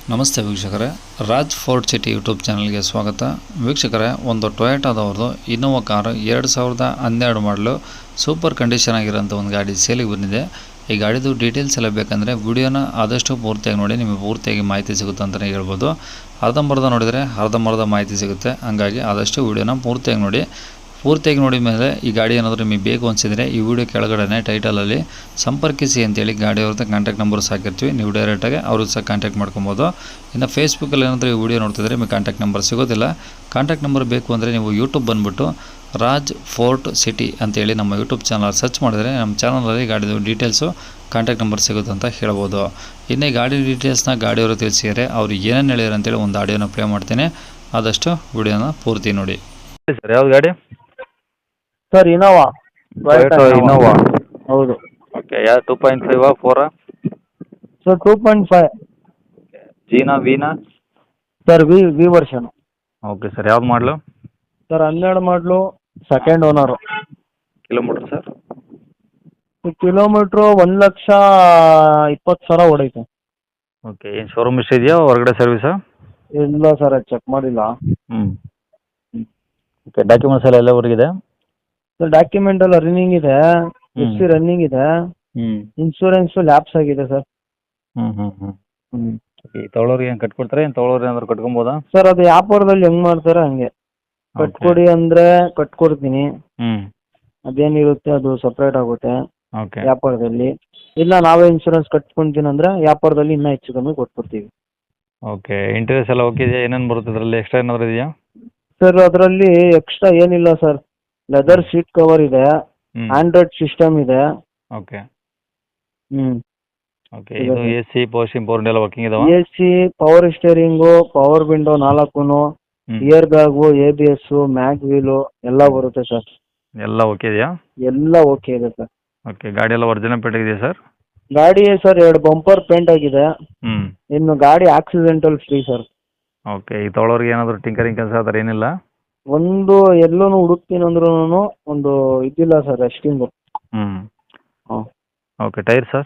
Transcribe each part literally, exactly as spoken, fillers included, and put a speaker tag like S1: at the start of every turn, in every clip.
S1: ನಮಸ್ತೆ ವೀಕ್ಷಕರೇ, Raj fort city YouTube ಚಾನಲ್ಗೆ ಸ್ವಾಗತ. ವೀಕ್ಷಕರೇ, ಒಂದು ಟೊಯೋಟಾದವ್ರದ್ದು ಇನ್ನೋವಾ ಕಾರು ಎರಡು ಸಾವಿರದ ಹನ್ನೆರಡು ಮಾಡಲು ಸೂಪರ್ ಕಂಡೀಷನ್ ಆಗಿರೋಂಥ ಒಂದು ಗಾಡಿ ಸೇಲಿಗೆ ಬಂದಿದೆ. ಈ ಗಾಡಿದು ಡೀಟೇಲ್ಸ್ ಎಲ್ಲ ಬೇಕಂದರೆ ವಿಡಿಯೋನ ಆದಷ್ಟು ಪೂರ್ತಿಯಾಗಿ ನೋಡಿ, ನಿಮಗೆ ಪೂರ್ತಿಯಾಗಿ ಮಾಹಿತಿ ಸಿಗುತ್ತೆ ಅಂತಲೇ ಹೇಳ್ಬೋದು. ಅರ್ಧಂಬರ್ಧ ನೋಡಿದರೆ ಅರ್ಧಂಬರ್ಧ ಮಾಹಿತಿ ಸಿಗುತ್ತೆ. ಹಾಗಾಗಿ ಆದಷ್ಟು ವಿಡಿಯೋನ ಪೂರ್ತಿಯಾಗಿ ನೋಡಿ. ಪೂರ್ತಿಯಾಗಿ ನೋಡಿದ ಮೇಲೆ ಈ ಗಾಡಿ ಏನಾದರೂ ನಿಮಗೆ ಬೇಕು ಅನಿಸಿದರೆ ಈ ವಿಡಿಯೋ ಕೆಳಗಡೆ ಟೈಟಲಲ್ಲಿ ಸಂಪರ್ಕಿಸಿ ಅಂತೇಳಿ ಗಾಡಿಯವ್ರದ್ದು ಕಾಂಟ್ಯಾಕ್ಟ್ ನಂಬರ್ ಹಾಕಿರ್ತೀವಿ. ನೀವು ಡೈರೆಕ್ಟಾಗಿ ಅವರು ಸಹ ಕಾಂಟ್ಯಾಕ್ಟ್ ಮಾಡ್ಕೊಬೋದು. ಇನ್ನು ಫೇಸ್ಬುಕ್ಕಲ್ಲಿ ಏನಾದರೂ ಈ ವಿಡಿಯೋ ನೋಡ್ತಿದ್ರೆ ನಿಮಗೆ ಕಾಂಟ್ಯಾಕ್ಟ್ ನಂಬರ್ ಸಿಗೋದಿಲ್ಲ. ಕಾಂಟ್ಯಾಕ್ಟ್ ನಂಬರ್ ಬೇಕು ಅಂದರೆ ನೀವು ಯೂಟ್ಯೂಬ್ ಬಂದುಬಿಟ್ಟು ರಾಜ್ ಫೋರ್ಟ್ ಸಿಟಿ ಅಂತೇಳಿ ನಮ್ಮ ಯೂಟ್ಯೂಬ್ ಚಾನಲ್ ಸರ್ಚ್ ಮಾಡಿದರೆ ನಮ್ಮ ಚಾನಲಲ್ಲಿ ಗಾಡಿದು ಡೀಟೇಲ್ಸು ಕಾಂಟ್ಯಾಕ್ಟ್ ನಂಬರ್ ಸಿಗುತ್ತೆ ಅಂತ ಹೇಳ್ಬೋದು. ಇನ್ನು ಈ ಗಾಡಿ ಡೀಟೇಲ್ಸ್ನ ಗಾಡಿಯವರು ತಿಳಿಸಿದರೆ ಅವ್ರು ಏನೇನು ಹೇಳಿದ್ರು ಅಂತೇಳಿ ಒಂದು ಆಡಿಯೋನ ಪ್ಲೇ ಮಾಡ್ತೀನಿ. ಆದಷ್ಟು ವಿಡಿಯೋನ ಪೂರ್ತಿ ನೋಡಿ.
S2: ಸರ್ ಯಾವ್ದು ಗಾಡಿ?
S3: Sir Innova
S2: Innova.
S3: ಹೌದು
S2: ಓಕೆ, ಯಾವ ಟೂ ಪಾಯಿಂಟ್ ಫೈವ್ ಫೋರಾ?
S3: Sir two point five.
S2: ಜೀನಾ ವೀನಾ?
S3: Sir V V version.
S2: Okay sir, ಯಾವ್ದು ಮಾಡಲು?
S3: ಸರ್ ಹನ್ನೆರಡು model, second owner.
S2: Kilometre sir?
S3: Kilometre ಒಂದು ಲಕ್ಷ ಇಪ್ಪತ್ತು ಸಾವಿರ ಹೊಡೈತೆ.
S2: ಓಕೆ, ಏನು ಶೋರೂಮ್ ಇಷ್ಟ ಇದೆಯಾ ಹೊರಗಡೆ ಸರ್ವಿಸಾ?
S3: ಇಲ್ಲ ಸರ್, ಅದು ಚೆಕ್ ಮಾಡಿಲ್ಲ.
S2: ಹ್ಞೂ ಓಕೆ, ಡಾಕ್ಯುಮೆಂಟ್ಸ್ ಎಲ್ಲ ಎಲ್ಲವರೆಗಿದೆ?
S3: ಸರ್ ಡಾಕ್ಯುಮೆಂಟ್ ಎಲ್ಲ ರನ್ನಿಂಗ್ ಇದೆ, ಎಫ್ ಸಿ ರನ್ನಿಂಗ್ ಇದೆ,
S2: ಹ್ಞೂ
S3: ಇನ್ಶೂರೆನ್ಸು ಲ್ಯಾಪ್ಸ್ ಆಗಿದೆ ಸರ್.
S2: ಹ್ಞೂ ಹ್ಞೂ ಹ್ಞೂ
S3: ಹ್ಞೂ
S2: ಓಕೆ, ತೊಗೊಳೋರಿಗೆ ಏನು ಕಟ್ಕೊಡ್ತಾರೆ? ಏನು ತೊಗೊಳೋರು ಏನಾದ್ರು ಕಟ್ಕೊಬೋದಾ?
S3: ಸರ್ ಅದು ವ್ಯಾಪಾರದಲ್ಲಿ ಹೆಂಗೆ ಮಾಡ್ತಾರೆ ಹಂಗೆ ಕಟ್ಕೊಡಿ ಅಂದರೆ ಕಟ್ಕೊಡ್ತೀನಿ.
S2: ಹ್ಞೂ
S3: ಅದೇನಿರುತ್ತೆ ಅದು ಸಪ್ರೇಟ್ ಆಗುತ್ತೆ
S2: ಓಕೆ
S3: ವ್ಯಾಪಾರದಲ್ಲಿ. ಇಲ್ಲ ನಾವೇ ಇನ್ಶೂರೆನ್ಸ್ ಕಟ್ಕೊಂತೀನಿ ಅಂದರೆ ವ್ಯಾಪಾರದಲ್ಲಿ ಇನ್ನೂ ಹೆಚ್ಚು ಕಮ್ಮಿ ಕೊಟ್ಕೊಡ್ತೀವಿ.
S2: ಓಕೆ, ಇಂಟೀರಿಯರ್ಸ್ ಎಲ್ಲ ಓಕೆ ಇದೆಯಾ? ಏನೇನು ಬರುತ್ತೆ ಅದರಲ್ಲಿ? ಎಕ್ಸ್ಟ್ರಾ ಏನಾದರೂ ಇದೆಯಾ?
S3: ಸರ್ ಅದರಲ್ಲಿ ಎಕ್ಸ್ಟ್ರಾ ಏನಿಲ್ಲ ಸರ್. ಲೆದರ್ ಸೀಟ್ ಕವರ್ ಇದೆ,
S2: ಹ್ಞೂ
S3: ಆಂಡ್ರಾಯ್ಡ್ ಸಿಸ್ಟಮ್ ಇದೆ.
S2: ಓಕೆ
S3: ಹ್ಮ್
S2: ಓಕೆ, ಇದು A C power steering power ಎಲ್ಲ ವರ್ಕಿಂಗ್ ಇದಾವ?
S3: A C, power steering, power window ನಾಲ್ಕು, air bag, A B S, mag wheel ಎಲ್ಲ ಬರುತ್ತೆ ಸರ್.
S2: ಎಲ್ಲ ಓಕೆ ಇದೆಯಾ?
S3: ಎಲ್ಲ ಓಕೆ ಇದೆ ಸರ್.
S2: ಓಕೆ, ಗಾಡಿ ಎಲ್ಲ ಒರಿಜಿನಲ್ ಪೇಂಟ್ ಇದೆಯಾ ಸರ್?
S3: ಗಾಡಿ ಸರ್ ಎರಡು ಬಂಪರ್ ಪೇಂಟ್ ಆಗಿದೆ.
S2: ಹ್ಞೂ
S3: ಇನ್ನು ಗಾಡಿ ಆಕ್ಸಿಡೆಂಟಲ್ ಫ್ರೀ ಸರ್.
S2: ಓಕೆ, ಈ ತೊಗೊಳೋರಿಗೆ ಏನಾದರೂ ಟಿಂಕರಿಂಗ್ ಕೆಲಸ ಆ ಥರ ಏನಿಲ್ಲ?
S3: ಒಂದು ಎಲ್ಲೂ ಹುಡುಕ್ತೀನಿ ಅಂದ್ರೂ ಒಂದು ಇದಿಲ್ಲ ಸರ್ ರೆಸ್ಟಿಂಗು.
S2: ಹ್ಞೂ
S3: ಹಾಂ
S2: okay, tyre sir?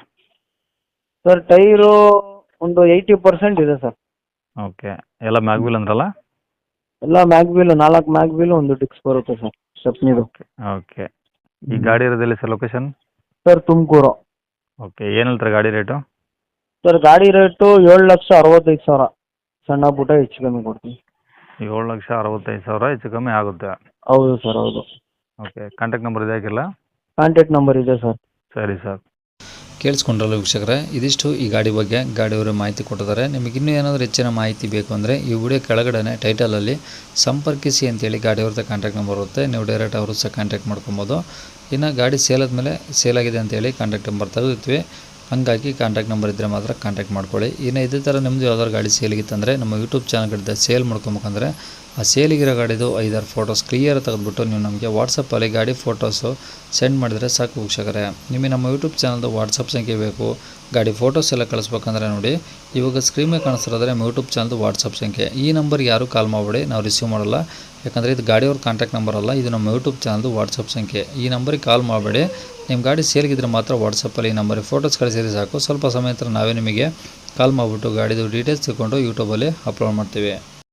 S3: Sir tyre ಒಂದು ಏಯ್ಟಿ ಪರ್ಸೆಂಟ್ ಇದೆ ಸರ್.
S2: ಓಕೆ, ಎಲ್ಲ ಮ್ಯಾಗ್ವಿಲ್ ಅಂದ್ರಲ್ಲ?
S3: ಎಲ್ಲ ಮ್ಯಾಗ್ ವೀಲ್, ನಾಲ್ಕು ಮ್ಯಾಗ್ ವೀಲ್, ಒಂದು ಡಿಕ್ಸ್ ಬರುತ್ತೆ ಸರ್ ಸ್ಟೆಪ್ನಿದು.
S2: ಓಕೆ ಓಕೆ, ಈ ಗಾಡಿ ಇರೋದಿಲ್ಲ sir location?
S3: Sir Tumakuru.
S2: Okay, ಏನು ಹೇಳ್ತಾರೆ ಗಾಡಿ ರೇಟು?
S3: ಸರ್ ಗಾಡಿ ರೇಟು ಏಳು ಲಕ್ಷ ಅರವತ್ತೈದು ಸಾವಿರ. ಸಣ್ಣ ಪುಟ್ಟ ಹೆಚ್ಚು ಕಮ್ಮಿ ಕೊಡ್ತೀನಿ.
S2: ಏಳು ಲಕ್ಷ ಅರವತ್ತೈದು ಸಾವಿರ ಹೆಚ್ಚು ಕಮ್ಮಿ ಆಗುತ್ತೆ?
S3: ಹೌದು ಸರ್, ಹೌದು.
S2: ಓಕೆ, ಕಾಂಟ್ಯಾಕ್ಟ್ ನಂಬರ್ ಇದೆ ಹಾಕಿಲ್ಲ?
S3: ಕಾಂಟ್ಯಾಕ್ಟ್ ನಂಬರ್ ಇದೆ ಸರ್.
S2: ಸರಿ ಸರ್.
S1: ಕೇಳಿಸ್ಕೊಂಡ್ರಲ್ಲ ವೀಕ್ಷಕರೇ, ಇದಿಷ್ಟು ಈ ಗಾಡಿ ಬಗ್ಗೆ ಗಾಡಿಯವರು ಮಾಹಿತಿ ಕೊಟ್ಟಿದ್ದಾರೆ. ನಿಮಗೆ ಇನ್ನೂ ಏನಾದರೂ ಹೆಚ್ಚಿನ ಮಾಹಿತಿ ಬೇಕು ಅಂದರೆ ಈ ವಿಡಿಯೋ ಕೆಳಗಡೆ ಟೈಟಲಲ್ಲಿ ಸಂಪರ್ಕಿಸಿ ಅಂತೇಳಿ ಗಾಡಿಯವ್ರದ್ದು ಕಾಂಟ್ಯಾಕ್ಟ್ ನಂಬರ್ ಇರುತ್ತೆ. ನೀವು ಡೈರೆಕ್ಟ್ ಅವರು ಸಹ ಕಾಂಟ್ಯಾಕ್ಟ್ ಮಾಡ್ಕೊಬೋದು. ಇನ್ನು ಗಾಡಿ ಸೇಲ್ ಆದಮೇಲೆ ಸೇಲ್ ಆಗಿದೆ ಅಂತೇಳಿ ಕಾಂಟ್ಯಾಕ್ಟ್ ನಂಬರ್ ತೆಗೆದಿರ್ತೀವಿ. ಹಾಗಾಗಿ ಕಾಂಟ್ಯಾಕ್ಟ್ ನಂಬರ್ ಇದ್ದರೆ ಮಾತ್ರ ಕಾಂಟ್ಯಾಕ್ಟ್ ಮಾಡ್ಕೊಳ್ಳಿ. ಇನ್ನು ಇದೇ ಥರ ನಿಮ್ಮದು ಯಾವ್ದಾದ್ರು ಗಾಡಿ ಸೇಲಿಗಿತ್ತಂದರೆ ನಮ್ಮ ಯೂಟ್ಯೂಬ್ ಚಾನಲ್ ಕಡೆ ಸೇಲ್ ಮಾಡ್ಕೊಬೇಕಂದ್ರೆ ಆ ಸೇಲಿಗಿರೋ ಗಾಡಿದು ಐದಾರು ಫೋಟೋಸ್ ಕ್ಲಿಯರ್ ತೆಗೆದುಬಿಟ್ಟು ನೀವು ನಮಗೆ ವಾಟ್ಸಪ್ಪಲ್ಲಿ ಗಾಡಿ ಫೋಟೋಸು ಸೆಂಡ್ ಮಾಡಿದರೆ ಸಾಕು ವೀಕ್ಷಕರೇ. ನಿಮಗೆ ನಮ್ಮ ಯೂಟ್ಯೂಬ್ ಚಾನಲ್ದು ವಾಟ್ಸಪ್ ಸಂಖ್ಯೆ ಬೇಕು, ಗಾಡಿ ಫೋಟೋಸ್ ಎಲ್ಲ ಕಳಿಸ್ಬೇಕಂದ್ರೆ ನೋಡಿ ಇವಾಗ ಸ್ಕ್ರೀನ್ ಮೇಲೆ ಕಾಣಿಸ್ತಿರೋದ್ರೆ ನಮ್ಮ ಯೂಟ್ಯೂಬ್ ಚಾನಲ್ದು ವಾಟ್ಸಪ್ ಸಂಖ್ಯೆ. ಈ ನಂಬರ್ಗೆ ಯಾರೂ ಕಾಲ್ ಮಾಡಬೇಡಿ, ನಾವು ರಿಸೀವ್ ಮಾಡಲ್ಲ. ಯಾಕಂದರೆ ಇದು ಗಾಡಿಯವ್ರ ಕಾಂಟ್ಯಾಕ್ಟ್ ನಂಬರ್ ಅಲ್ಲ, ಇದು ನಮ್ಮ ಯೂಟ್ಯೂಬ್ ಚಾನಲ್ದು ವಾಟ್ಸಪ್ ಸಂಖ್ಯೆ. ಈ ನಂಬರಿಗೆ ಕಾಲ್ ಮಾಡಬೇಡಿ. ನಿಮ್ಮ ಗಾಡಿ ಸೇಲ್ಗಿದ್ರೆ ಮಾತ್ರ ವಾಟ್ಸಪ್ಪಲ್ಲಿ ಈ ನಂಬರಿಗೆ ಫೋಟೋಸ್ ಕಳಿಸಿದ್ರೆ ಸಾಕು. ಸ್ವಲ್ಪ ಸಮಯ ನಂತರ ನಾವೇ ನಿಮಗೆ ಕಾಲ್ ಮಾಡಿಬಿಟ್ಟು ಗಾಡಿದು ಡೀಟೇಲ್ಸ್ ತಿಳ್ಕೊಂಡು ಯೂಟ್ಯೂಬಲ್ಲಿ ಅಪ್ಲೋಡ್ ಮಾಡ್ತೀವಿ.